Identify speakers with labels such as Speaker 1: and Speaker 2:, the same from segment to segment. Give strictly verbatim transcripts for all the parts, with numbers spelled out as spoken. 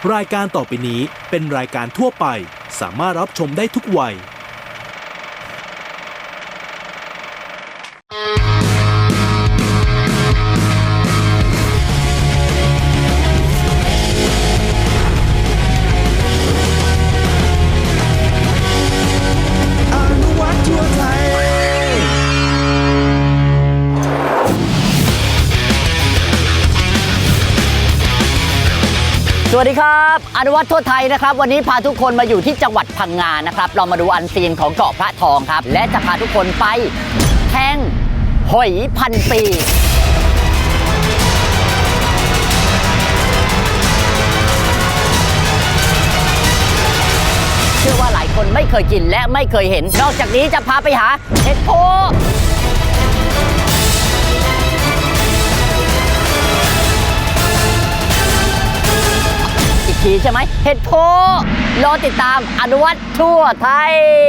Speaker 1: รายการต่อไปนี้เป็นรายการทั่วไปสามารถรับชมได้ทุกวัย
Speaker 2: สวัสดีครับอนุวัฒน์ทั่วไทยนะครับวันนี้พาทุกคนมาอยู่ที่จังหวัดพังงานะครับเรามาดูอันซีนของเกาะพระทองครับและจะพาทุกคนไปแทงหอยพันปีเชื่อว่าหลายคนไม่เคยกินและไม่เคยเห็นนอกจากนี้จะพาไปหาเห็ดโพใช่ไหมเห็ดโพรอติดตามอนุวัฒน์ทั่วไทย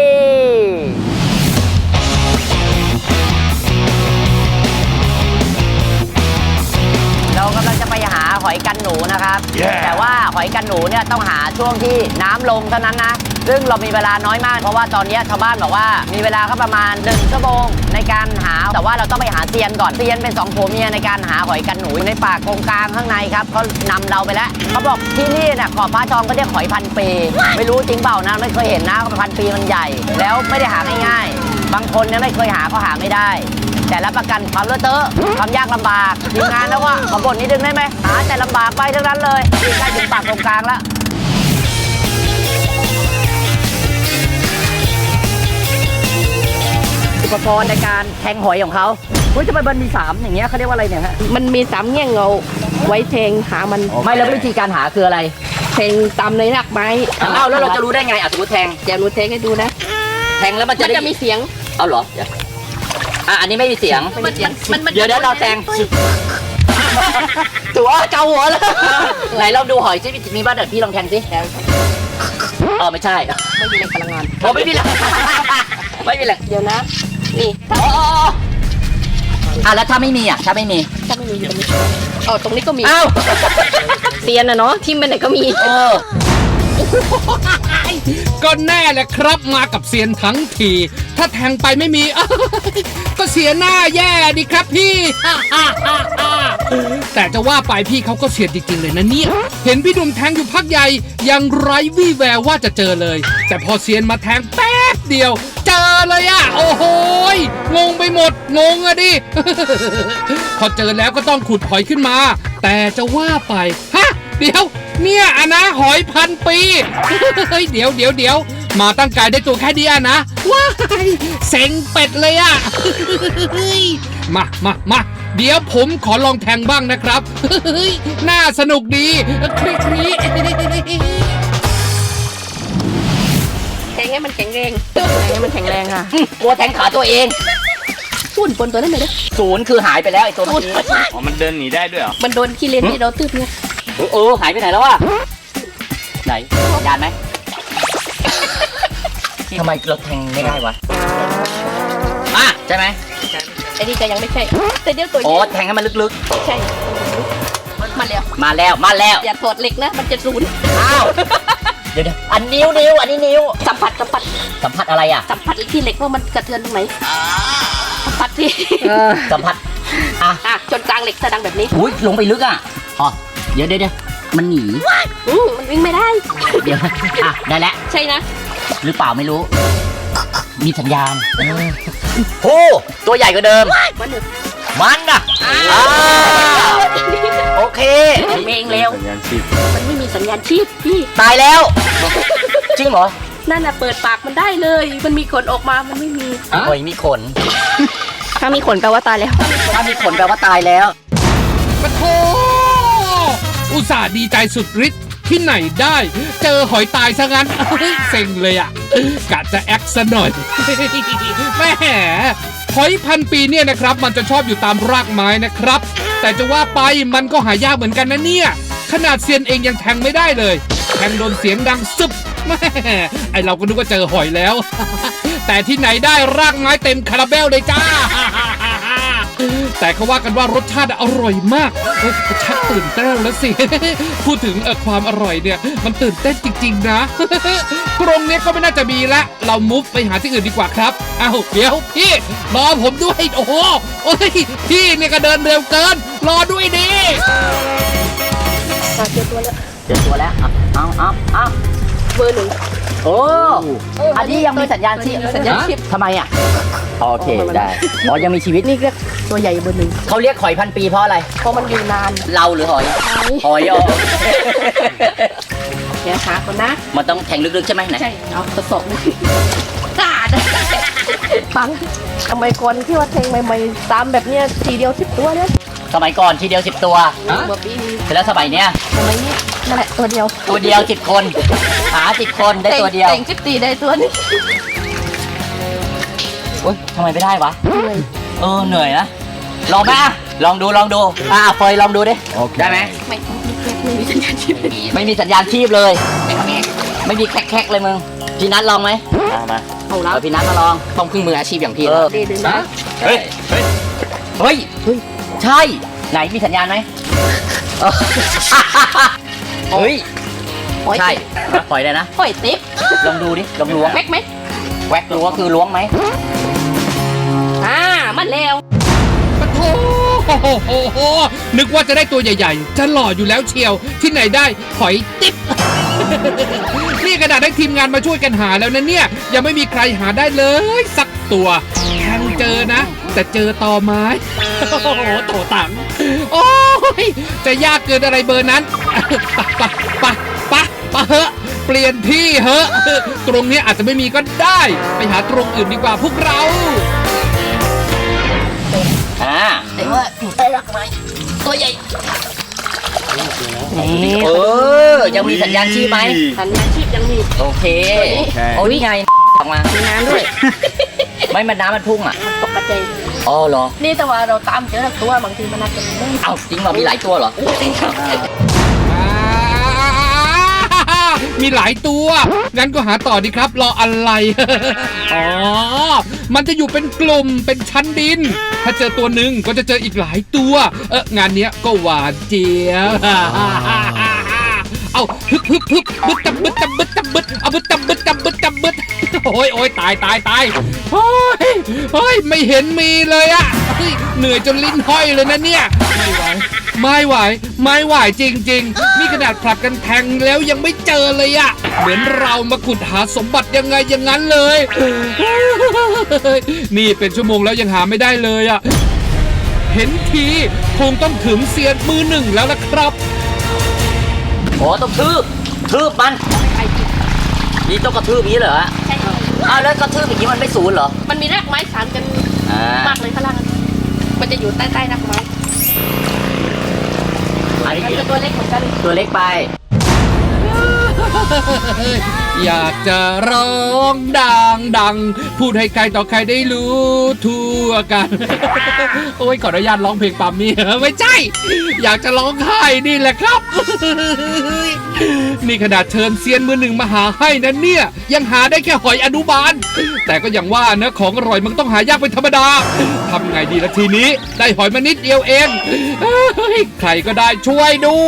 Speaker 2: เรากำลังจะไปหาหอยกันหนูนะครับ yeah. แต่ว่าหอยกันหนูเนี่ยต้องหาช่วงที่น้ำลงเท่านั้นนะซึ่งเรามีเวลาน้อยมากเพราะว่าตอนนี้ชาวบ้านบอกว่ามีเวลาก็ประมาณหนึ่งชั่วโมงในการหาแต่ว่าเราต้องไปหาเซียนก่อนเซียนเป็นสองผัวเมียในการหาหอยกันหนูในป่าโกงกลางข้างในครับเขานำเราไปแล้วเขาบอกที่นี่เนี่ยเกาะพระทองก็เรียกหอยพันปีไม่รู้จริงเปล่านะไม่เคยเห็นนะพันปีมันใหญ่แล้วไม่ได้หาง่ายๆบางคนเนี่ยไม่เคยหาก็หาไม่ได้แต่รับประกันความเลอะเทอะความยากลำบากทีมงานแล้วก็ขอบ่นนิดนึงได้ไหมหาแต่ลำบากไปทั้งนั้นเลยใกล้ถึงปากตรงกลางแล้วอุปกรณ์ในการแทงหอยของเขาเฮ้ยทำไมมันมีสามอย่างเงี้ยเขาเรียกว่าอะไรเนี่ยฮะ
Speaker 3: มันมีสามแง่งเงาไว้แทงหามัน
Speaker 2: ไม่แล้ววิธีการหาคืออะไร
Speaker 3: แทงตามในรากไม้
Speaker 2: อ้าวแล้วเราจะรู้ได้ไงอ่ะสมมติแทง
Speaker 3: เดี๋ยวหนูแทงให้ดูนะ
Speaker 2: แทงแล้วมันจะ
Speaker 3: มีเสียง
Speaker 2: เอาเหรออ่ะอันนี้ไม่มีเสียงเดี๋ยวเดี๋ยวเราแทงตัวเกาหัวแล้วไหนเราดูหอยซิมีบ้านเดี๋ยวพี่ลองแทงสิเออไม่ใช่
Speaker 3: ไม่มีแรงพลังงาน
Speaker 2: โอ้ไม่มีแรงไม่มีแรง
Speaker 3: เดี๋ยวนะนี่
Speaker 2: อ๋ออ่ะแล้วถ้าไม่มีอ่ะถ้าไม่มี
Speaker 3: ถ้าไม่มีอยู่ตรงนี้อ๋อตรงนี้ก็มี
Speaker 2: อ้าว
Speaker 3: เซียนนะเนาะที่มันไหนก็มี
Speaker 2: เออ
Speaker 4: ก็แน่แหละครับมากับเซียนทั้งทีถ้าแทงไปไม่มีก็เสียหน้าแย่ดิครับพี่แต่จะว่าไปพี่เขาก็เสียนจริงๆเลยนะเนี่ยเห็นพี่หนุ่มแทงอยู่พักใหญ่ยังไร้วี่แววว่าจะเจอเลยแต่พอเซียนมาแทงแป๊บเดียวเจอเลยอะโอ้โหงงไปหมดงงอะดิพอเจอแล้วก็ต้องขุดหอยขึ้นมาแต่จะว่าไปฮะเดี๋ยวเนี่ยอะนะหอยพันปีเฮ้ยเดี๋ยวเดี๋ยวเดี๋ยวมาตั้งกายได้ตัวแค่นี้อะนะว้ายเซ็งเป็ดเลยอะมามามาเดี๋ยวผมขอลองแทงบ้างนะครับน่าสนุกดีคลิกนี้
Speaker 3: แทงให้มันแข็งแรงแทงให้มันแข็งแรงค่ะ
Speaker 2: กลัวแทงขาตัวเอง
Speaker 3: ศูนย์บนตัวนั้นเลยนะ
Speaker 2: ศูนย์คือหายไปแล้วไอ้ตัวนี้
Speaker 5: อ๋อมันเดินหนีได้ด้วยเหรอ
Speaker 3: มันโดนขี้เลนที่เราตืบเนี่ย
Speaker 2: เออหายไปไหนแล้ววะไหนยานไหมทำไมเราแทงไม่ได้วะอ่ะใช่ไหม
Speaker 3: ไอ้นี่ก็ยังไม่ใช่แต่เดี๋ยวตัวนี้
Speaker 2: โอ้แทงให้มันลึก
Speaker 3: ๆใช่มาแล้ว
Speaker 2: มาแล้วมาแล้ว
Speaker 3: อย่าถอดเหล็กนะมันจะศูนย์
Speaker 2: อ้าวเดี๋ยวอันนิ้วนิ้วอันนี้นิ้ว
Speaker 3: สัมผัสสัมผัส
Speaker 2: สัมผัสอะไรอ่ะ
Speaker 3: สัมผัสที่เหล็กว่ามันกระเทือนตรงไหนสัมผัสที่
Speaker 2: สัมผัส
Speaker 3: อ่ะอ่ะจนกลางเหล็กจะดังแบบนี้
Speaker 2: อุ้ยลงไปลึกอ่ะอ๋อเดี๋ยวเดี๋ยวมันหนี
Speaker 3: อืมมันวิ่งไม่ได้
Speaker 2: เดี๋ยวอ่ะได้แล้ว
Speaker 3: ใช่นะ
Speaker 2: หรือเปล่าไม่รู้มีสัญญาณโอ้ตัวใหญ่กว่าเดิม
Speaker 3: มัน
Speaker 2: มันอ่ะโอเค
Speaker 3: มันเองเร็วมันไม่มีสัญญาณชีพพี่
Speaker 2: ตายแล้วจริงเหรอ
Speaker 3: นั่นน่ะเปิดปากมันได้เลยมันมีขนออกมามันไม่มี
Speaker 2: โอ้ยมีขน
Speaker 3: ถ้ามีขนแปลว่าตายแล้ว
Speaker 2: ถ้ามีขนแปลว่าตายแล้ว
Speaker 4: ปะโถอุตส่าห์ดีใจสุดฤทธิ์ที่ไหนได้เจอหอยตายซะงั้นเซ็งเลยอ่ะกะจะแอคซะหน่อยแม่หอยพันปีเนี่ยนะครับมันจะชอบอยู่ตามรากไม้นะครับแต่จะว่าไปมันก็หายากเหมือนกันนะเนี่ยขนาดเซียนเองยังแทงไม่ได้เลยแทงโดนเสียงดังซึบแม่ไอเราก็นึกว่าเจอหอยแล้วแต่ที่ไหนได้รากไม้เต็มคาราเบลเลยจ้าแต่เขาว่ากันว่ารสชาติอร่อยมากเอ้ยชักตื่นเต้นแล้วสิ พูดถึงเอ่อความอร่อยเนี่ยมันตื่นเต้นจริงๆนะ กรงเนี้ยก็ไม่น่าจะมีละเรามุฟไปหาที่อื่นดีกว่าครับอ้าวเดี๋ยวพี่รอผมด้วยโอ้โหโอ้ยพี่เนี่ยก็เดินเร็วเกินรอด้วยดิ
Speaker 3: อ่ะเจอตัวแล้ว
Speaker 2: เจอตัวแล้วเอาเอาเอาเอา
Speaker 3: เบอร์หนึ่ง
Speaker 2: โอ้ อันนี้ยังมีสัญญาณชีพ
Speaker 3: สัญญาณชีพ
Speaker 2: ทำไมอ่ะ โอเคได้อ๋อยังมีชีวิต
Speaker 3: นี่เรียกตัวใหญ่เบอร์หนึ่ง
Speaker 2: เขาเรียกหอยพันปีเพราะอะไร
Speaker 3: เพราะมันอยู่นาน
Speaker 2: เราหรือหอย หอยอ๋อ
Speaker 3: เดี๋ยวหาก่อนนะ
Speaker 2: มันต้องแทงลึกๆใช่ไหมไหน
Speaker 3: ใช่เอาทดสอบเลยกล้านะปังทำไมก่อนที่ว่าแทงใหม่ๆตามแบบเนี้ยทีเดียวสิบตัวเนี่ย
Speaker 2: สมัยก่อนทีเดียวสิบตัว
Speaker 3: เมื่อปีนี้
Speaker 2: เสร็จแล้วสมัยเนี้ย
Speaker 3: ทำไมนี่นั่นแหละตัวเดียว
Speaker 2: ตัวเดียวสิบคน หาสิบคนได้ตัวเดียว
Speaker 3: แต่งสิบตีได้ตัวนี้
Speaker 2: โอ๊ยทำไมไม่ได้วะ
Speaker 3: เหนื่อย
Speaker 2: เออเหนื่อยนะ ลองไหมอ่ะลองดูลองดู อ่าเฟยลองดูดิ ได้ไหม
Speaker 3: ไม่ไม่มีสัญญาณชีพ
Speaker 2: ไม่มีสัญญาณชีพเลย ไม่มีแคกๆเลยมึง พี่นัทลองไหมมามา
Speaker 3: เอาแล้ว
Speaker 2: เอาพี่นัทมาลอง
Speaker 4: ต้องพึ่งมืออาชีพอย่างพี่
Speaker 2: เออ
Speaker 3: ดีดึงนะ
Speaker 5: เฮ้ย เฮ้ย
Speaker 2: เฮ้ย เฮ้ย ใช่ ไหนมีสัญญาณไหมเออเฮ้ย
Speaker 3: โอ้ย
Speaker 2: ใช่ปล่อยเลยนะ
Speaker 3: โอ้ยติ๊บ
Speaker 2: ลองดูดิ ลองล้วง
Speaker 3: แม็กไหม
Speaker 2: แวกดูก็คือล้วงไหม
Speaker 3: อ่ามันแล้ว
Speaker 4: ปะโถโอ้โหนึกว่าจะได้ตัวใหญ่ๆ จะหล่ออยู่แล้วเชียว ที่ไหนได้หอยติ๊บ นี่กระดาษได้ทีมงานมาช่วยกันหาแล้วนะเนี่ย ยังไม่มีใครหาได้เลยสักตัวแทงเจอนะ แต่เจอตอไม้ โอ้โหโถตังโอ้ยจะยากเกินอะไรเบอร์นั้น ปะปะปะปะเฮอะเปลี่ยนที่เฮอะตรงนี้อาจจะไม่มีก็ได้ ไปหาตรงอื่นดีกว่าพวกเรา
Speaker 2: อ่า
Speaker 3: แต่ว่าอยู่ใต้รักไม้ตัวใหญ่
Speaker 2: เออ ยังมีสัญญาณชีพไหม
Speaker 3: สัญญาณชีพยังมี
Speaker 2: โอเค
Speaker 5: โอเค
Speaker 2: โอ้ยไงออกมา
Speaker 3: มีน้ำด้วย
Speaker 2: ไม่มันน้ำมันพุ่งอ่ะ
Speaker 3: ตกกระจาย
Speaker 2: อ๋อเหรอ
Speaker 3: นี่แต่ว่าเราตามเจอตัวบางทีมันอาจจะไม่
Speaker 2: เอ้าจริงเหรอมีหลายตัวเหรอ
Speaker 3: จริงครับ
Speaker 4: อ่ามีหลายตัว งั้นก็หาต่อดีครับ รออะไร อ๋อ มันจะอยู่เป็นกลุ่ม เป็นชั้นดิน ถ้าเจอตัวหนึ่งก็จะเจออีกหลายตัว เอองานเนี้ยก็หวานเจี๊ยบ เอาฮึบฮึบฮึบบึดตับบึดตับบึดตับบึดเอาบึดตับบึดตับบึดตับบึดโอ้ยโอ้ยตายตายตายโอ้ยโอ้ยไม่เห็นมีเลยอะเฮ้ยเหนื่อยจนลิ้นห้อยเลยนะเนี่ย ไม่ไหว ไม่ไหว ไม่ไหวจริงๆ นี่ขนาดผลัดกันแทงแล้วยังไม่เจอเลยอะเหมือนเรามาขุดหาสมบัติยังไงอย่างนั้นเลย นี่เป็นชั่วโมงแล้วยังหาไม่ได้เลยอะเห็นทีคงต้องถึงเซียนมือหนึ่งแล้วล่ะครับ
Speaker 2: โอ้ต้องทืบทืบมัน นี่ต้องกระทืบอย่างนี้เหรอ
Speaker 3: ใช่
Speaker 2: อ้าวแล้วกระทืบอย่างนี้มันไม่ศูนย์เหรอ
Speaker 3: มันมีรากไม้สานกัน
Speaker 2: อ่าม
Speaker 3: ากเลยข้างล่างมันจะอยู่ใต้ใต้รากไม้
Speaker 2: อันนี้
Speaker 3: มันก็ตัวเล็กเหมือนกัน
Speaker 2: ตัวเล็กไป
Speaker 4: อยากจะร้องดังดังพูดให้ใครต่อใครได้รู้ทั่วกัน โอ้ยขออนุญาตร้องเพลงปั๊มนี่ ไม่ใช่ อยากจะร้องไห้นี่แหละครับ นี่ขนาดเชิญเซียนมือหนึ่งมาหาให้นะเนี่ย ยังหาได้แค่หอยอนุบาล แต่ก็อย่างว่านะของอร่อยมันต้องหายากเป็นธรรมดาทำไงดีละทีนี้ ได้หอยมานิดเดียวเองเฮ้ยใครก็ได้ช่วยดู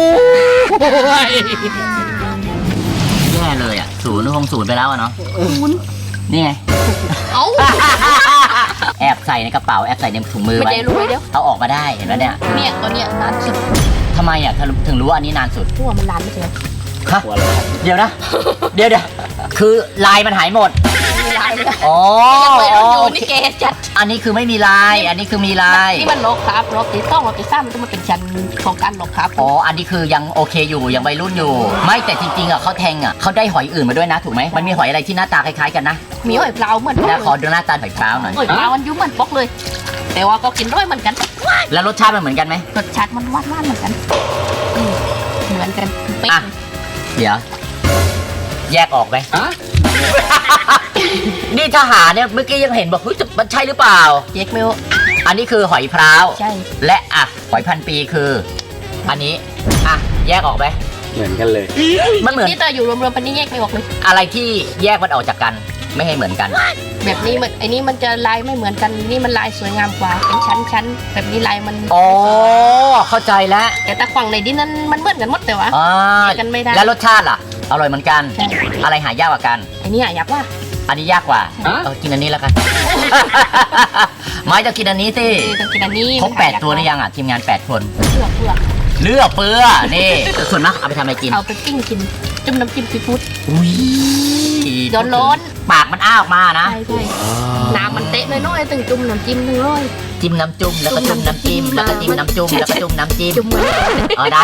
Speaker 2: แย่เลยอ่ะ ศูนย์คงศูนย์ไปแล้วอะเนาะนี่ไง
Speaker 3: เอ้า
Speaker 2: แอบใส่ในกระเป๋า แอบใส่ในถุงมือ
Speaker 3: ไม่
Speaker 2: ไว้
Speaker 3: ได้รู้ไว้เดี๋ยว
Speaker 2: เอาออกมาได้เห็นไหมเนี่ย
Speaker 3: เนี่ยตัวเนี้ยนานสุด
Speaker 2: ทำไมอ่ะถึงรู้ว่าอันนี้นานสุด
Speaker 3: พวกมันนานไม่ใช่
Speaker 2: ฮะเดี๋ยวนะ เดี๋ยวเดี๋ยวคือลายมันหายหมด
Speaker 3: มีลายเลย
Speaker 2: อ๋อ
Speaker 3: ยังไม่รู้อยู่นี่แกจัด
Speaker 2: อันนี้คือไม่มีลาย อันนี้คือมีลาย
Speaker 3: นี่มันล็อกครับล็อกตีต้องล็อกตีซ้ำมันจะมาเป็นชั้นของการล็อกครับ
Speaker 2: อ๋อ อันนี้คือยังโอเคอยู่ ยังวัยรุ่นอยู่ ไม่แต่จริงๆอ่ะเขาแทงอ่ะเขาได้หอยอื่นมาด้วยนะถูกไหมมันมีหอยอะไรที่หน้าตาคล้ายๆกันนะ
Speaker 3: มีหอยเปล่าเหมือนปก
Speaker 2: แล้วขอ
Speaker 3: เลย
Speaker 2: ดูหน้าตาหอยพร้าวหน่อย
Speaker 3: หอยเปล่ามันยุ่เหมือนปกเลย แต่ว่าก็กินด้วยเหมือนกัน
Speaker 2: แล้วรสชาติมันเหมือนกันไหม
Speaker 3: รสชาติมันหวานๆเหมือนกันอืมเหมือนกันเป๊ะ
Speaker 2: อ่ะ เดี๋ยว แยกออกไหม นี่ทหารเนี่ยเมื่อกี้ยังเห็นบอกเฮ้ยมันใช่หรือเปล่า
Speaker 3: เจ๊กไม่รู้
Speaker 2: อันนี้คือหอยพร้าว
Speaker 3: ใช่
Speaker 2: และอ่ะหอยพันปีคือ อันนี้ อ่ะ แยกออกไหม
Speaker 5: เหมือนกันเลย
Speaker 2: มันเหมือน
Speaker 3: นี่แต่อยู่รวมๆปันนี้แยกไม่ออกเลย
Speaker 2: อะไรที่แยกมันออกจากกันไม่ให้เหมือนกัน
Speaker 3: แบบนี้มันไอ้นี่มันจะลายไม่เหมือนกันนี่มันลายสวยงามกว่าเป็นชั้นชั้นๆแบบนี้ลายมัน
Speaker 2: อ๋อเข้าใจแล้ว
Speaker 3: แต่ตะขวางในดินนั้นมันเหมือนกันหมดแต่ว่า
Speaker 2: อ่า
Speaker 3: กันไม่ได้
Speaker 2: แล้วรสชาติล่ะอร่อยเหมือนกัน
Speaker 3: ใช่
Speaker 2: อะไรหายากกว่ากัน
Speaker 3: ไอ้นี่อยากว่า
Speaker 2: อันนี้ยากกว่าเออกินอันนี้แล้วกัน ไม่จะกินอันนี้สิ
Speaker 3: เออต้องกินอันนี้
Speaker 2: ครบแปดตัวหรือยังอ่ะทีมงานแปดคน
Speaker 3: เปลือกเปลือก
Speaker 2: เลือกเปื้อนี่ส่วนมากเอาไปทำอะไรกิน
Speaker 3: เอาไปปิ้งกินจุ่มน้ำจิ้มซีฟู้ด
Speaker 2: อุ้ย
Speaker 3: ร้อนร้อน
Speaker 2: ปากมันอ้าออกมานะ
Speaker 3: ใช่ใช่น้ำมันเตะน้อยๆตึงจุ่มน้ำจิ้มหนึ่งร้อย
Speaker 2: จิ้มน้ำจุ่มแล้วก็จุ่มน้ำจิ้มแล้วก็จิ้มน้ำจุ่มแล้วก็จุ่มน้ำจิ้ม
Speaker 3: จุ่มมัน
Speaker 2: เออได้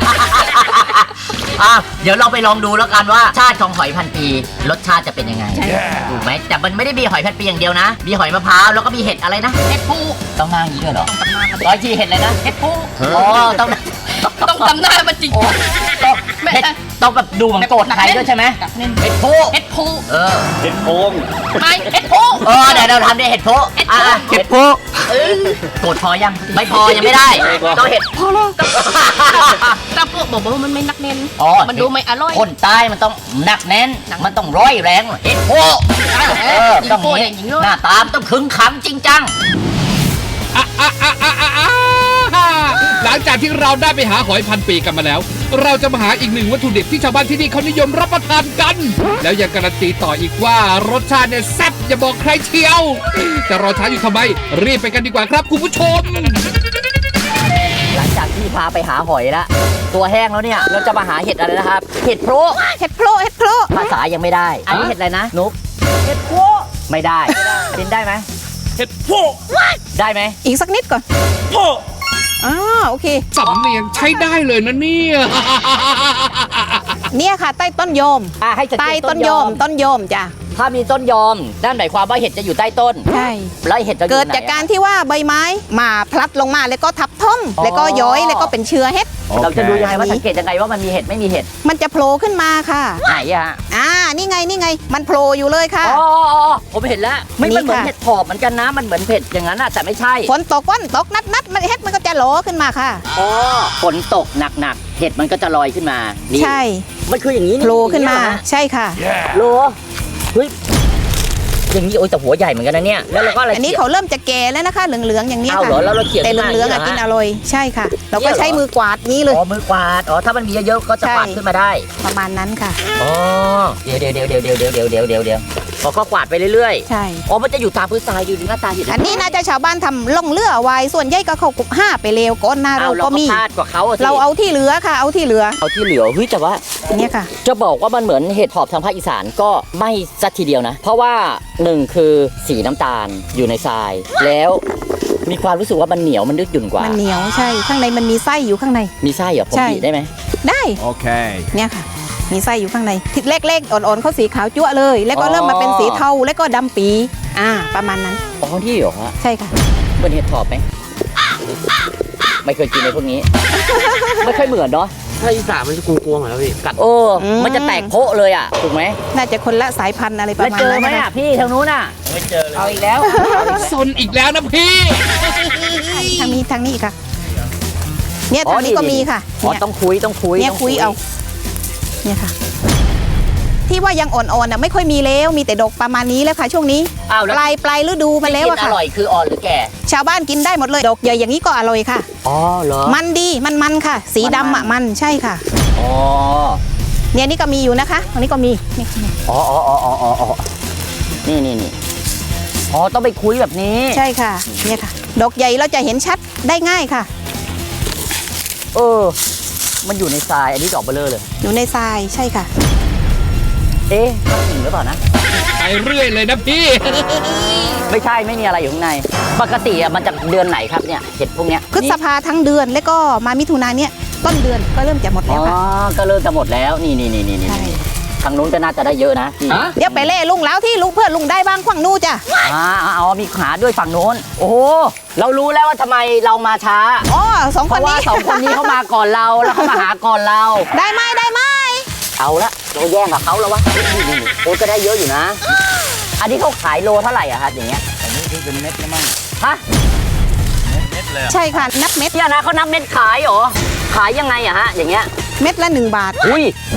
Speaker 2: อ่ะเดี๋ยวเราไปลองดูแล้วกันว่าชาติของหอยพันปีรสชาติจะเป็นยังไง
Speaker 3: ใช่
Speaker 2: ถูกไหมแต่มันไม่ได้มีหอยพันปีอย่างเดียวนะ มีหอยมะพร้าวแล้วก็มีเห็ดอะไรนะ
Speaker 3: เห็ดผู้
Speaker 2: ต้องนั่งอย่างนี้ด้วยเหรอร้อยทีเห็ดอะไรนะ
Speaker 3: เห็ดผู้
Speaker 2: อ๋อต้อง
Speaker 3: ต้องทำหน้ามันจริง
Speaker 2: โอ้ต้อง
Speaker 3: ไม่
Speaker 2: เห็ด
Speaker 3: ใช่
Speaker 2: ต้องแบบดูเหมือนโกรธใครด้วยใช่ไหม
Speaker 3: กับเน้น
Speaker 2: เห็ดโพ
Speaker 3: เห็ดผู้
Speaker 2: เออ
Speaker 5: เห็ดโพง
Speaker 3: ไม่เห็ดผู้
Speaker 2: เออเดี๋ยวเราทำได้เห็ดโพ
Speaker 3: เห็ดโพ
Speaker 2: อ่ะเห็ดโพโกรธพอยังไม่พอยังไม่ได้ต้องเห็ด
Speaker 3: พอแล้วแต่พวกบอกว่ามันไม่นักเน้น
Speaker 2: อ๋อ
Speaker 3: มันดูไม่อร่อย
Speaker 2: คนใต้มันต้องหนักแน่น มันต้องร้อยแรงเห็ดโพเออต้อง
Speaker 3: โพ
Speaker 2: นี้
Speaker 3: อย่างนี้เลย
Speaker 2: หน้าตามต้องขึงขังจริงจัง
Speaker 4: อ่ะอ่ะอ่ะอ่ะอ่ะอ่ะหลังจากที่เราได้ไปหาหอยพันปีกันมาแล้ว เราจะมาหาอีกหนึ่งวัตถุดิบที่ชาวบ้านที่นี่เขานิยมรับประทานกัน แล้วยังการันตีต่ออีกว่ารสชาติเนี่ยแซ่บอย่าบอกใครเชียวจะรอช้าอยู่ทำไม รีบไปกันดีกว่าครับคุณผู้ชม
Speaker 2: หลังจากที่พาไปหาหอยแล้วตัวแห้งแล้วเนี่ยเราจะมาหาเห็ดอะไรนะครับ เห็ดโพร
Speaker 3: เห็ดโพรเห็ดโพร
Speaker 2: ภาษายังไม่ได้ อันนี้เห็ดอะไรนะนุ๊กเห็ดโพรไม่ได้กินได้ไหม
Speaker 5: เห็ดโพง
Speaker 2: ได้ไหม
Speaker 6: อีกสักนิดก่อน
Speaker 5: โพง
Speaker 6: อ่าโอเค
Speaker 4: สำเนียงใช้ได้เลยนะเนี่ย
Speaker 6: เนี่ยค่ะ ใต้ต้นโยม
Speaker 2: อ่ะให้สังเก
Speaker 6: ใต้
Speaker 2: ต
Speaker 6: ต้นโยม ต้นโยมจ้ะ
Speaker 2: ถ้ามีต้นยอมนั่นหมายความว่าเห็ดจะอยู่ใต้ต้น
Speaker 6: ใช่
Speaker 2: แล้วเห็ดจะอยู่ไหน
Speaker 6: เกิดจากการที่ว่าใบไม้มาพลัดลงมาแล้วก็ทับท่ม
Speaker 2: อ๋อ
Speaker 6: แล้วก็ย้อยแล้วก็เป็นเชื้อเห็ด
Speaker 2: เราจะดูยังไงว่าสังเกตยังไงว่ามันมีเห็ดไม่มีเห็ด
Speaker 6: มันจะโผล่ขึ้นมาค่ะ
Speaker 2: ไหนอะฮะ
Speaker 6: อ่า นี่ไง นี่ไง มันโผล่อยู่เลยค่ะ
Speaker 2: อ๋ออ๋ออ๋อผมเห็นแล้วไม่
Speaker 6: นี่
Speaker 2: มันเหมือน
Speaker 6: ค่ะ
Speaker 2: เห็ดถอบเหมือนกันนะมันเหมือนเห็ดอย่างนั้นอะแต่ไม่ใช่
Speaker 6: ฝนตกวันตกนัดนัดมันเห็ดมันก็จะโหลขึ้นมาค่ะ
Speaker 2: อ๋อฝนตกหนักๆเห็ดมันก็จะลอยขึ้นมานี่
Speaker 6: ใช่
Speaker 2: มันคืออย่างนี้
Speaker 6: โผล่ขึ้นมา
Speaker 2: อย่งเงี้ยเหรอฮะ
Speaker 6: ใช่ค่ะ
Speaker 2: โลเฮ้ยอย่างนี้โอ้ยแต่หัวใหญ่เหมือนกันนะเนี่ยแล้วเราก็อะไร
Speaker 6: อันนี้เขาเริ่มจะแก่แล้วนะคะ เหลืองๆอย่างนี้
Speaker 2: เอา
Speaker 6: ค่ะ
Speaker 2: เหรอแล้วเราเขี่ย
Speaker 6: แต่
Speaker 2: ขึ้นมา
Speaker 6: เหลืองๆอ่ะ
Speaker 2: ย่า
Speaker 6: กิ
Speaker 2: นี้
Speaker 6: น
Speaker 2: เหร
Speaker 6: อ
Speaker 2: อ
Speaker 6: ร่อย ใช่ค่ะ เราก็
Speaker 2: เนี่ยเหรอ
Speaker 6: ใช้มือกวาดนี้เลย
Speaker 2: อ๋อมือกวาดอ๋อถ้ามันมีเยอะๆก็จะ
Speaker 6: ใช่
Speaker 2: กวาดขึ้นมาได้
Speaker 6: ประมาณนั้นค่ะ
Speaker 2: อ๋อเดี๋ยวเดี๋ยวเดี๋ยวเดี๋ยวเดี๋ยวเดี๋ยวเดี๋ยวเดี๋ยวเดี๋ยวเดี๋ยวพอก็กวาดไปเรื่อย
Speaker 6: ใช่
Speaker 2: ๆอ๋อมันจะอยู่ตามพื้นทรายอยู่หน้าตาเห็ด
Speaker 6: อันนี้น่าจะชาวบ้านทำล่องเรือเอาไว้ ส่วนใหญ่ก็เขากุบห้าไปเลวก้อนหน้า
Speaker 2: เอา
Speaker 6: เรา
Speaker 2: เรา
Speaker 6: ก็
Speaker 2: ก็
Speaker 6: มี
Speaker 2: พลาดกว่าเขาอะสิ
Speaker 6: เราเอาที่เหลือค่ะ เอาที่เหลือ
Speaker 2: เอาที่เหลือเฮ้ยแต่ว่า
Speaker 6: อันเนี้ยค่ะ
Speaker 2: จะบอกว่ามันเหมือนเห็ดหอบทางภาคอีสานก็ไม่สักทีเดียวนะ เพราะว่าหนึ่งคือสีน้ำตาลอยู่ในทราย แล้วมีความรู้สึกว่ามันเหนียวมันดึกหยุ่นกว่า
Speaker 6: มันเหนียวใช่ ข้างในมันมีไส้อยู่ข้างใน
Speaker 2: มีไส้เหรอผม
Speaker 6: ใช่
Speaker 2: บีบได้ไหม
Speaker 6: ได้
Speaker 1: Okay.
Speaker 6: เนี่ยค่ะ มีไส้อยู่ข้างในทิศเล็กๆอ่อนๆเขาสีขาวจั๊วะเลย แล้วก็เริ่มมาเป็นสีเทาแล้วก็ดำปี อ่า ประมาณนั้น
Speaker 2: อ๋อที่เหรอฮะ
Speaker 6: ใช่ค่ะ
Speaker 2: เหมือนเห็ดถอบไหมไม่เคยกินในพวกนี้ ไม่ค่อยเหมือนเนาะ
Speaker 7: ถ้าอีสานมันจะกลัวๆเหมือนกันพี่กัด
Speaker 2: โอ้
Speaker 6: อืม
Speaker 2: มันจะแตกโพะเลยอ่ะถูกไหม
Speaker 6: น่าจะคนละสายพันธุ์อะไรประ
Speaker 2: แล้ว
Speaker 6: มาณ
Speaker 2: เจอ
Speaker 6: นั้น
Speaker 2: ไหม
Speaker 6: นะ
Speaker 2: อ่ะพี่ทางนู้นอ่ะไม่เจอเลยเอาอีกแล้ว
Speaker 4: ซนอีกแล้วนะพี่
Speaker 6: ทางนี้ทางนี้ค่ะ เนี่ยทางนี้ก็มีค่ะ
Speaker 2: อ๋อ
Speaker 6: เนี่ย
Speaker 2: ต้องคุยต้องคุย
Speaker 6: เนี่ย
Speaker 2: ต้อง
Speaker 6: คุยเอา เนี่ยค่ะ ที่ว่ายังอ่อนๆน่ะไม่ค่อยมีแล้ว มีแต่ดอกประมาณนี้แล้วค่ะ ช่วงนี้
Speaker 2: อ้าว
Speaker 6: ป
Speaker 2: แล้ว
Speaker 6: ลายปลายฤดูมาแล้ว
Speaker 2: ที่
Speaker 6: อะ
Speaker 2: กินอ
Speaker 6: ค่ะ
Speaker 2: ร่อยคืออ่อนหรือแก่
Speaker 6: ชาวบ้านกินได้หมดเลย ดอกใหญ่อย่างนี้ก็อร่อยค่ะ
Speaker 2: อ๋อเหรอ
Speaker 6: มันดี มันมันค่ะ สีดำอ่ะมัน ใช่ค่ะ
Speaker 2: อ๋อ
Speaker 6: เนี่ยนี่ก็มีอยู่นะคะตรงนี้ก็มีนี่
Speaker 2: อ๋ออ๋ออ๋ออ๋ออ๋ออ๋อนี่นี่นี่อ๋อต้องไปคุยแบบนี้
Speaker 6: ใช่ค่ะ เนี่ยค่ะ ดอกใหญ่เราจะเห็นชัดได้ง่ายค่ะ
Speaker 2: เออ มันอยู่ในทรายอันนี้ดอกเบลอเลย
Speaker 6: อยู่ในทราย ใช่ค่ะ
Speaker 2: เอ๊ะข้างจริงหรือเปล่านะ
Speaker 4: ไปเรื่อยเลยนะพี่
Speaker 2: ไม่ใช่ไม่มีอะไรอยู่ข้างใน ปกติอะมันจะเดือนไหนครับเนี่ยเห็ดพวกเนี้ย
Speaker 6: พฤษภาทั้งเดือนแล้วก็มามิถุนาเนี่ยต้นเดือนก็เริ่มจะหมด
Speaker 2: อ๋
Speaker 6: แล้ว
Speaker 2: อ
Speaker 6: ค่ะ
Speaker 2: ก็เริ่มจะหมดแล้วนี่นี่นี่นี่นี่
Speaker 6: ใช่
Speaker 2: ทางนู้นก็น่าจะได้เยอะนะนี่
Speaker 6: เดี๋ยวไปเล่ลุงแล้วที่ลุงเพื่อนลุงได้บ้างขวางนู่จ้ะ
Speaker 2: อ่าอ๋อมีขาด้วยฝั่งโน้น โอ้โหเรารู้แล้วว่าทำไมเรามาช้า
Speaker 6: อ๋อสอง
Speaker 2: เพ
Speaker 6: คน
Speaker 2: ราะว่า
Speaker 6: นี้
Speaker 2: สองคนนี้เขามาก่อนเราแล้วเขามาหาก่อนเรา
Speaker 6: ได้ไหมได้ไหม
Speaker 2: เอาละเราแย่งกับเขาแล้ววะนี่นี่นี่โอ้ก็ได้เยอะอยู่นะ อันนี้เขาขายโลเท่าไหร่อะครับอย่างเงี้ย
Speaker 5: อันนี้คือเป็นเม็ดแล้วมั้ง
Speaker 2: ฮะ
Speaker 5: เม็ดเลยอะ
Speaker 6: ใช่ค่ะ นับเม็ด
Speaker 2: เนี่ยนะเขานับเม็ดขายเหรอ ขายยังไงอะฮะอย่างเงี้ย
Speaker 6: เม็ดละหนึ่งบาท
Speaker 2: อุ้ย
Speaker 6: ใช่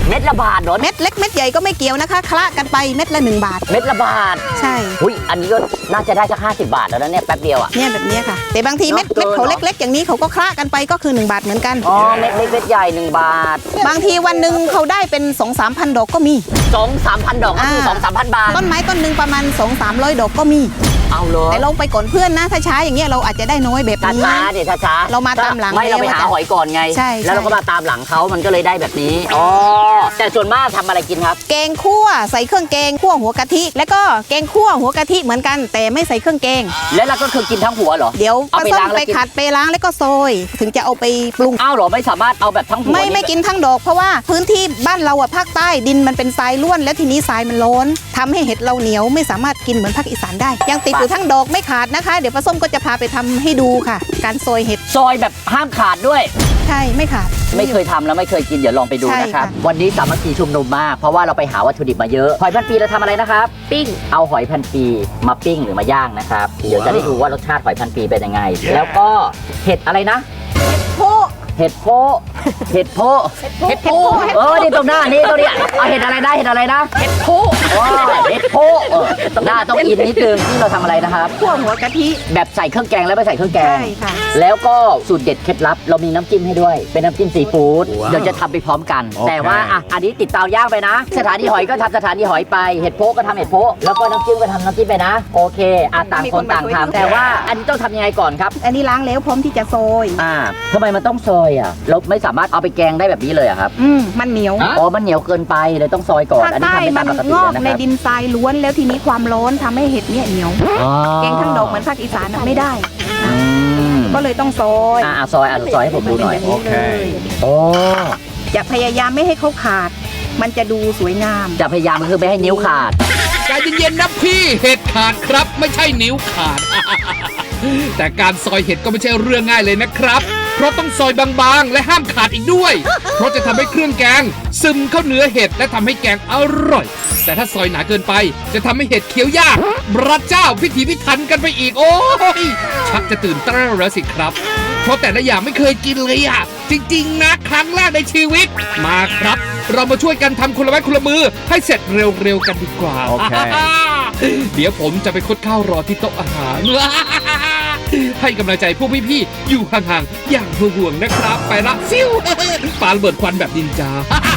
Speaker 2: เม็ดละบาทเหรอ
Speaker 6: เม็ดเล็กเม็ดใหญ่ก็ไม่เกี่ยวนะคะคละกันไปเม็ดละหนึ่งบาท
Speaker 2: เม็ดละบาท
Speaker 6: ใช่
Speaker 2: อุ้ยอันนี้ก็น่าจะได้สักห้าสิบบาทแล้วนะเนี่ยแป๊บเดียวอ่ะ
Speaker 6: เนี่ยแบบเนี้ยค่ะ แต่บางทีเม็ด
Speaker 2: เนอะ
Speaker 6: เม็ดเขา
Speaker 2: เนอะ
Speaker 6: เล็กๆ อย่างนี้เขาก็คละกันไปก็คือหนึ่งบาทเหมือนกัน
Speaker 2: อ๋อเม็ดเล็กเม็ดใหญ่หนึ่งบาท
Speaker 6: บางทีวันหนึ่งเขาได้เป็นสองสามพันดอกก็มี
Speaker 2: สองสามพันดอกก็คือสองสามพันบาท
Speaker 6: ต้นไม้ต้นหนึ่งประมาณสองสามร้อยดอกก็มี
Speaker 2: เอาเลย
Speaker 6: แต่เราไปก่อนเพื่อนนะถ้าช้าอย่างเงี้ยเราอาจจะได้น้อยแบบ
Speaker 2: ช้า
Speaker 6: นี้
Speaker 2: ช้าๆเดี๋ยวช้าช้าๆ
Speaker 6: เรามาตามหลัง
Speaker 2: ไม่เราไปหา
Speaker 6: แล้ว
Speaker 2: หอยก่อนไง
Speaker 6: ใช่
Speaker 2: แล้วเราก็
Speaker 6: ใช่
Speaker 2: มาตามหลังเขามันก็เลยได้แบบนี้อ๋อแต่ส่วนมากทำอะไรกินครับ
Speaker 6: แกงคั่วใส่เครื่องแกงคั่วหัวกะทิ แล้วก็แกงคั่วหัวกะทิเหมือนกันแต่ไม่ใส่เครื่องแกง
Speaker 2: แล้วเราก็คือกินทั้งหัวเหรอ
Speaker 6: เดี๋ยว
Speaker 2: เอา
Speaker 6: ปลา
Speaker 2: ไป
Speaker 6: ส้ม
Speaker 2: ล้างแล้ว
Speaker 6: ไป
Speaker 2: กิน
Speaker 6: ขัดไปล้างแล้วก็ซอยถึงจะเอาไปปรุง
Speaker 2: อ้าวเหรอไม่สามารถเอาแบบทั้งหัว
Speaker 6: ไม่
Speaker 2: นี่
Speaker 6: ไม่กินทั้งดอกเพราะว่าพื้นที่บ้านเราอะภาคใต้ดินมันเป็นทรายล้วน แล้วทีนี้ทรายมันร้อนทำให้เห็ดเราเหนียวไม่สามารถกินเหมือนภาคอีสานได้ ยังติดอยู่ทั้งดอกไม่ขาดนะคะ เดี๋ยวปลาส้มก็จะพาไปทำให้ดูค่ะ การซอยเห็ด
Speaker 2: ซอยแบบห้ามขาดด้วย
Speaker 6: ใช่ไม่ขาด
Speaker 2: ไม่เคยทำแล้วไม่เคยกินเดี๋ยวลองไปดู
Speaker 6: ใช่
Speaker 2: นะครับ
Speaker 6: ค่ะ
Speaker 2: วันนี้สามัคคีชุมนุมมากเพราะว่าเราไปหาวัตถุดิบมาเยอะหอยพันปีเราทำอะไรนะครับ
Speaker 3: ปิ้ง
Speaker 2: เอาหอยพันปีมาปิ้งหรือมาย่างนะครับเดี๋ยวจะได้ดูว่ารสชาติหอยพันปีเป็นยังไง แล้วก็เห็ดอะไรนะ
Speaker 6: โพะ
Speaker 2: เห็ดโพะเห็ดโพะ
Speaker 6: เห็ดโพะ
Speaker 2: เออนี่ตรงหน้านี่ตรงเนี้ยเอาเห็ดอะไรนะเห็ดอะไรนะเห็ดโพะอ๋อเห็ดโพะเออหน้าต้องอินนิดนึงที่เราทำอะไรนะครับ
Speaker 6: คั่วหัวกะทิ
Speaker 2: แบบใส่เครื่องแกงแล้วไม่ใส่เครื่องแกง
Speaker 6: ใช่ค่ะ
Speaker 2: แล้วก็สูตรเด็ดเคล็ดลับ เรามีน้ำจิ้มให้ด้วย เป็นน้ำจิ้มซีฟู้ดเดี๋ยวจะทำไปพร้อมกัน
Speaker 1: โอเค
Speaker 2: แต่ว่าอ่ะอันนี้ติดเตาย่างไปนะ สถานีหอยก็ทำสถานีหอยไปเห็ดโพะก็ทำเห็ดโพะแล้วก็น้ำจิ้มก็ทำน้ำจิ้มไปนะ โอเคอ่ะต่างคนต่างทำแต่ว่าอันนี้ต้องทำยังไงก่อนครับ
Speaker 6: อันนี้ล้างแล้วพร้อมที่จะซอย
Speaker 2: อ่าทำไมมันต้องซอยอ่ะเราไม่สามารถเอาไปแกงได้แบบนี้เลยอะครับ
Speaker 6: อืมมันเหนียว
Speaker 2: อ๋อมันเหนียวเกินไปเลยต้องซอยก่อน
Speaker 6: ภาค
Speaker 2: อันนี้
Speaker 6: ใต้
Speaker 2: ทำไม่
Speaker 6: มั
Speaker 2: ตาม
Speaker 6: น
Speaker 2: ปกติ
Speaker 6: งอก
Speaker 2: นะ
Speaker 6: ใน
Speaker 2: ครับ
Speaker 6: ดินทรายล้วนแล้วทีนี้ความร้อนทำให้เห็ดเนี่ยเหนียว
Speaker 2: อ๋อ
Speaker 6: แกงทั้งดอกเหมือนภาคอีสานน่ะไม่ได้
Speaker 2: อืม
Speaker 6: ก็เลยต้องซอย
Speaker 2: อ่าซอยอ่ะซอยให้ผมดูหน่อย
Speaker 6: โอเค
Speaker 2: โอ้
Speaker 6: จะพยายามไม่ให้เขาขาด มันจะดูสวยงาม
Speaker 2: จะพยายามคือไม่ให้นิ้วขาด
Speaker 4: ใจเย็นๆนะพี่เห็ดขาดครับไม่ใช่นิ้วขาด แต่การซอยเห็ดก็ไม่ใช่เรื่องง่ายเลยนะครับ เพราะต้องซอยบางๆ และห้ามขาดอีกด้วย เพราะจะทำให้เครื่องแกง ซึมเข้าเนื้อเห็ดและทำให้แกงอร่อย แต่ถ้าซอยหนาเกินไป จะทำให้เห็ดเคี้ยวยากพระเจ้าพิถีพิถันกันไปอีกโอ้ยชักจะตื่นเต้นแล้วสิครับ เพราะแต่ละอย่างไม่เคยกินเลยอ่ะ จริงๆนะครั้งแรกในชีวิตมาครับ เรามาช่วยกันทำคนละไม้คนละมือให้เสร็จเร็วๆกันดีกว่า
Speaker 1: โอเค
Speaker 4: เดี๋ยวผมจะไปคดข้าวรอที่โต๊ะอาหาร ให้กำลังใจพวกพี่ๆอยู่ห่างๆอย่างห่วงๆนะครับ ไปละซิวปาระเบิดควันแบบนินจา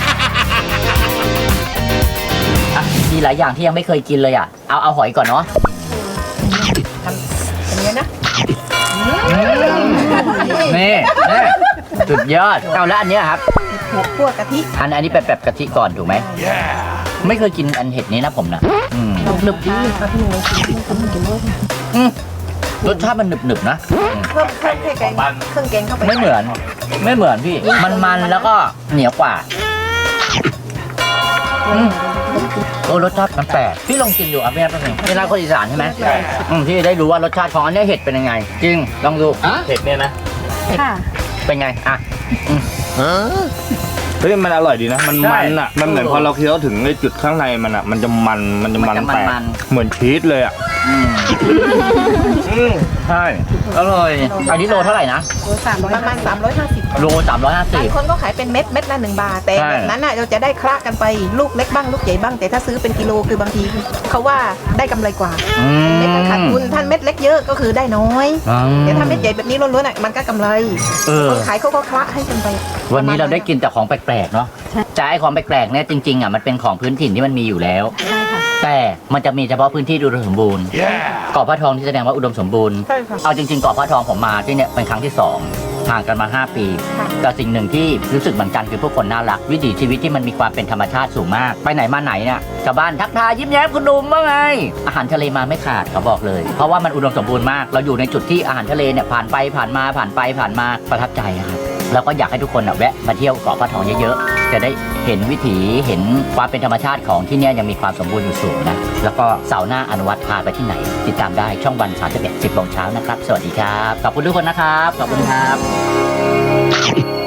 Speaker 2: อ่ะมีหลายอย่างที่ยังไม่เคยกินเลยอ่ะ เอาเอาหอยก่อนเนาะ
Speaker 6: อย่างนี้นะ
Speaker 2: นี่นี่สุดยอด เอาแล้วอันเนี้ยครับ
Speaker 6: เห็ดคั่วกะทิ
Speaker 2: อันอันนี้เป็นแบบกะทิก่อนถูกไหม ไม่เคยกินอันเห็ดนี้นะผมนะอืม
Speaker 6: หนึบดีค่ะพี่หนูกินไม่กินด้วย
Speaker 2: อืมรสชาติมันหนึบๆนะอืม
Speaker 6: เพิ่มเครื่องแกงเครื่องแกงเข้าไป
Speaker 2: ไม่เหมือน ไม่เหมือนพี่ มันๆแล้วก็เหนียวกว่าอืมโอ้รสชาติมันแปลกพี่ลองกินดูอ่ะพี่นะแป๊บนึงนี่ร้านคนอีสานใช่ไหมอืมพี่ได้รู้ว่ารสชาติของอันเนี้ยเห็ดเป็นยังไง จริงลองดูเห็ดเนี่ยนะ
Speaker 6: ค่ะ
Speaker 2: เป็นไงอ่ะ
Speaker 5: เฮ้ยมันอร่อยดีนะ มัน
Speaker 2: ใช่
Speaker 5: มันอ่ะ มันเหมือนพอเราเคี้ยวถึงไอ้จุดข้างในมันอ่ะ มันจะมัน มันจะมัน
Speaker 2: มันจะ
Speaker 5: แปลก
Speaker 2: มัน
Speaker 5: เหมือนชีสเลยอ่ะ
Speaker 2: อืมใช่อร่อยอันนี้โลเท่าไหร่นะ
Speaker 6: โลสามประมาณสามร้อยห้าสิบ
Speaker 2: โลสามร้อยห้าสิ
Speaker 6: บาง
Speaker 2: บ
Speaker 6: คนก็ขายเป็นเม็ดเม็ดละหนึ่งบาท แต่
Speaker 2: ใช่
Speaker 6: แบบนั้นน่ะเราจะได้คละกันไปลูกเล็กบ้างลูกใหญ่บ้าง แต่ถ้าซื้อเป็นกิโลคือบางทีเขาว่าได้กำไรกว่า
Speaker 2: อืม
Speaker 6: เม็ดมันขาดทุนท่านเม็ดเล็กเยอะก็คือได้น้อย
Speaker 2: อืม
Speaker 6: แต่ถ้าเม็ดใหญ่แบบนี้ล้วนๆอ่ะมันก็กำไร
Speaker 2: เออ
Speaker 6: คนขายเขาก็คละให้กันไป
Speaker 2: วันนี้เราได้กินแต่ของแปลกๆเนาะแต่ไอ้ของแปลกๆเนี่ยจริงๆอ่ะมันเป็นของพื้นถิ่นที่มันมีอยู่แล้ว
Speaker 6: ใช่ค่ะ
Speaker 2: แต่มันจะมีเฉพาะพื้นที่อุดมสมบูรณ์เกาะพระทองที่แสดงว่าอุดมสมบูรณ์
Speaker 6: ใช่ค่ะ
Speaker 2: เอาจริงๆเกาะพระทองผมมาที่เนี่ยเป็นครั้งที่สองห่างกันมาห้าปี
Speaker 6: ค่ะ
Speaker 2: แต่สิ่งหนึ่งที่รู้สึกเหมือนกันคือพวกคนน่ารักวิถีชีวิตที่มันมีความเป็นธรรมชาติสูงมากไปไหนมาไหนเนี่ยชาวบ้านทักทายยิ้มแย้มคุณหนุ่มว่าไงอาหารทะเลมาไม่ขาดเขาบอกเลย เพราะว่ามันอุดมสมบูรณ์มากเราอยู่ในจุดที่อาหารทะเลเนี่ยผ่านไปผ่านมาผ่านไปผ่านมาประทับใจอะครับแล้วก็อยากให้ทุกคนอ่ะแวะมาเที่ยวเกาะพระทองเยอะๆจะได้เห็นวิถีเห็นความเป็นธรรมชาติของที่เนี่ยยังมีความสมบูรณ์อยู่สูงนะแล้วก็เสาร์หน้าอนุวัฒน์พาไปที่ไหน ติดตามได้ช่องวันสามสิบเอ็ดสิบโมงเช้านะครับสวัสดีครับขอบคุณทุกคนนะครับขอบคุณครับ